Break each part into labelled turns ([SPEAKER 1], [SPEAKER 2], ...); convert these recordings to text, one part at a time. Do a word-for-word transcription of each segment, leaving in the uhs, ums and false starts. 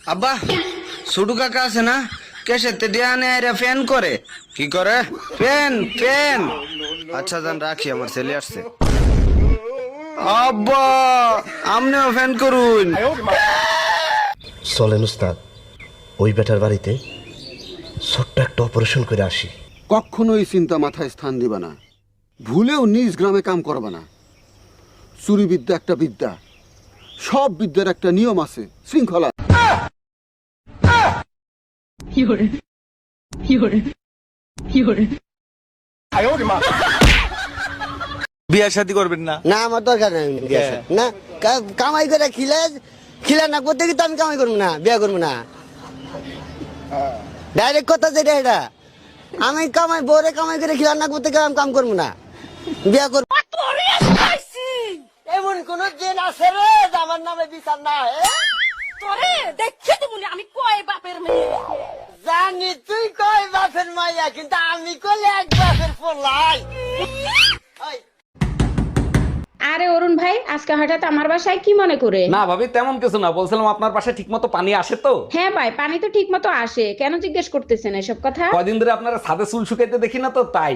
[SPEAKER 1] আব্বা ছোটু কাকা আছে না কেসেতে ডিয়ানে আইরা ফ্যান করে কি করে ফ্যান ফ্যান আচ্ছা জান রাখি আমার ছেলে আসছে আব্বা আমনেও ফ্যান করুন
[SPEAKER 2] চলেন উস্তাদ ওই বেটার বাড়িতে ছোট্ট একটা অপারেশন করে আসি।
[SPEAKER 3] কখনোই চিন্তা মাথায় স্থান দিবা না, ভুলেও নিজ গ্রামে কাম করবা না। চুরি বিদ্যা একটা বিদ্যা, সব বিদ্যার একটা নিয়ম আছে, শৃঙ্খলা।
[SPEAKER 4] বিয়া শাদী করবেন না?
[SPEAKER 5] না আমার দরকার নাই বিয়া শাদী। না কা- কামাই করে খিলে খিলে না করতে কি তো আমি কামাই করবো না, বিয়া করবো না। ডাইরেক্ট কথা যেটা এটা, আমি কামাই বরে কামাই করে খিলা না করতে গেলে আমি কাম করবো না, বিয়া করবো। এমন কোন দিন আছে রে যে আমার নামে বিচার না হয়?
[SPEAKER 6] তোরে দেখে দিবনি আমি কয় বাপের মেয়ে।
[SPEAKER 5] জানি তুই কয় বাপের মাইয়া, কিন্তু আমি কলে এক বাপের পোলাই।
[SPEAKER 7] আরে অরুণ ভাই, আজকে হঠাৎ আমার বাসায় কি মনে করে?
[SPEAKER 8] না ভাবি তেমন কিছু না, বলছিলাম আপনার পাশে ঠিক মতো পানি আসে তো?
[SPEAKER 7] হ্যাঁ ভাই, পানি তো ঠিক মতো আসে, কেন জিজ্ঞেস করতেছেন এসব কথা?
[SPEAKER 8] কদিন ধরে আপনারা ছাদে চুল শুকাইতে দেখি না তো, তাই।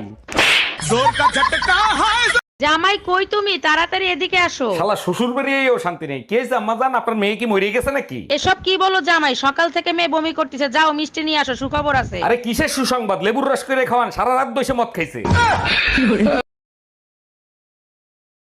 [SPEAKER 6] জামাই কই তুমি, তাড়াতাড়ি এদিকে আসো।
[SPEAKER 8] শালা শ্বশুর বেরিয়েও শান্তি নেই। কে জাম্মা জান, আপনার মেয়ে কি মরে গেছে নাকি?
[SPEAKER 6] এসব কি বলো জামাই, সকাল থেকে মেয়ে বমি করতেছে, যাও মিষ্টি নিয়ে আসো, সুখবর আছে।
[SPEAKER 8] আরে কিসের সুসংবাদ, লেবুর রস করে খাওয়ান, সারা রাত বসে মদ খাইছে।